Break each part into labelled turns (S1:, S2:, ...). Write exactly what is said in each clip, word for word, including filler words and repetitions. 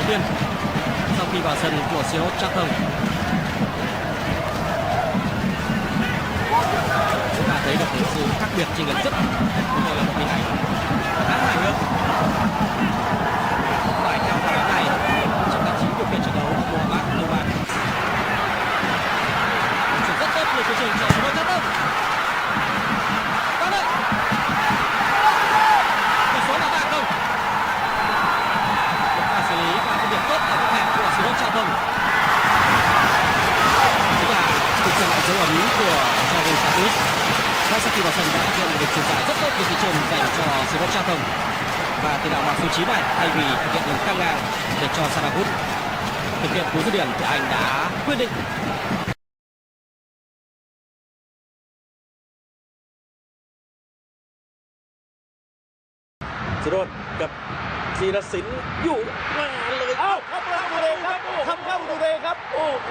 S1: Tuyên sau khi vào sân của Sirot Chatham. Chúng ta thấy được những sự khác biệt chênh lệch rất đây là một hình ảnh khá hài hước. Phải theo phản ánh này trong tạp chí điều khiển trận đấu Mohamed Nouman. Chuyển rất tốt lên phía trên cho Sirot Chatham. Vào đây. Tỷ số là ba không. Một pha xử lý và phân biệt tốt ở góc hẹp của Sirot Chatham. Chính là thực hiện lại dấu ấn của Jordan Satis. Ngay sau khi vào sân đã thực hiện một việc truyền giải rất tốt từ phía trên dành cho Sirot Chatham. Và tiền đạo mặc số chín này thay vì thực hiện đường căng ngang để cho Sarabut thực hiện cú dứt điểm thì anh đã quyết định
S2: Sirot กับธีรศิลป์อยู่มาเลยเอ้า
S3: เข้าประตูเองครับทำเข้าประตูเองครับ
S2: โอ้โห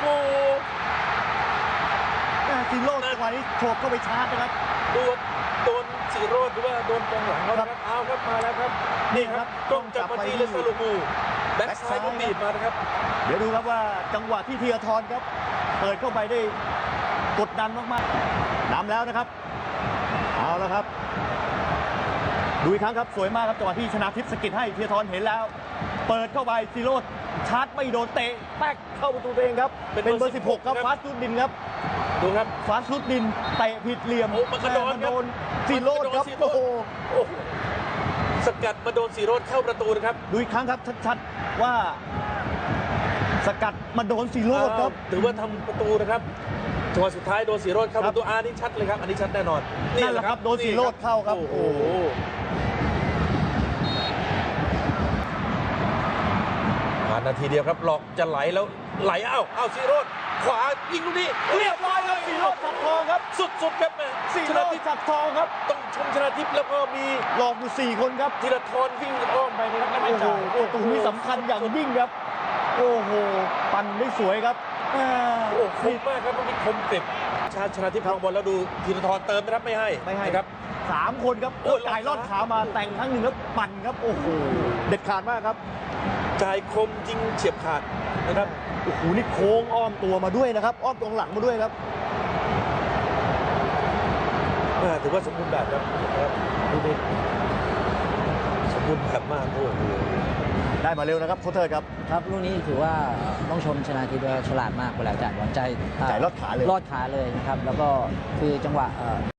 S3: ซิโร่จังหวะนี้โฉบเข้าไปชาร์จนะครับ
S2: โดนโดนสีโรดหรือว่าโดนกองหลังเขานะครับเอาครับมาแล้วครับนี่ครับกล้องจับมาที่เลสซาลูมูแบ็คซ้ายก็บีบมานะครับ
S3: เดี๋ยวดูครับว่าจังหวะที่เทียทรครับเปิดเข้าไปได้กดดันมากๆนำแล้วนะครับเอาแล้วครับดูอีกครั้งครับสวยมากครับจังหวะที่ชนะทิพย์สกิดให้เทียทรเห็นแล้วเปิดเข้าไปซิโร่ชาร์จไม่โดนเตะแป๊กเข้าประตูตัวเองครับเป็นเบอร์สิบหกครับฟาสตูดินครับ
S2: ดูครับ
S3: ฟาสตูดินเตะผิดเหลี่ยม
S2: โอ้มันกระโดด
S3: มันโดนซิโร่ครับ
S2: มันกะโดน
S3: โอ้โห
S2: โอ้โหสกัดมาโดนสีโรดเข้าประตูนะครับ
S3: ดูอีกครั้งครับชัดๆว่าสกัดมาโดนซิโร่ครับ
S2: ถือว่าทำประตูนะครับจังหวะสุดท้ายโดนสีโรดเข้าประตูอานี่ชัดเลยครับอันนี้ชัดแน่นอน
S3: นั่นแหละครับโดนสีโรดเข้าครับ
S2: โอ้โหผ่านนาทีเดียวครับหลอกจะไหลแล้วไหลเอ้าเอ้าสีโรดขวายิงลูกนี้เรียบร้อยครับ
S3: สีโรดสักทองครับ
S2: สุดๆครับแม่
S3: สี
S2: ช
S3: โร
S2: นะ
S3: ด
S2: ทิพย์
S3: สักทองครับ
S2: ต้องชมชนะทิพย์แล้วก็มี
S3: หลอกอยู่สี่คนครับ
S2: ธีรทรวิ่งอ้อมไปนะครับแล้วไม่
S3: โอ้โห
S2: จ่าย
S3: ประตูนี้สำคัญอย่างยิ่งครับ โอ้โหปั่นได้สวยครับอ่า
S2: โอ้คมมากครับมันมีคมกริบชาญชนะทิพย์ครองบอลแล้วดูธีรทรเติมนะครับไม่ให้
S3: ไม่ให้
S2: นะครับ
S3: สามคนครับ
S2: โอ้
S3: โอ้
S2: ย
S3: จ่ายลอดขามาแต่งครั้งหนึ่งแล้วปั่นครับ โอ้โหเด็ดขาดมากครับ
S2: จ่ายคมยิงเฉียบขาดนะครับ
S3: โอ้โหนี่โค้งอ้อมตัวมาด้วยนะครับ อ้อมตรงหลังมาด้วยครับ
S2: อ่าถือว่าสมบูรณ์แบบครับนะครับดูดิสมบูรณ์แบบมากโอ้โห
S3: ได้มาเร็วนะครับโคชเทิร์ดครับ
S4: ครับลูกนี้ถือว่าต้องชมชนะทิพย์ว่าฉลาดมากเวลาจ่ายบอลใจ
S3: จ่ายลอดขาเลย
S4: ลอดขาเลยนะครับ แล้วก็คือจังหวะเอ่อ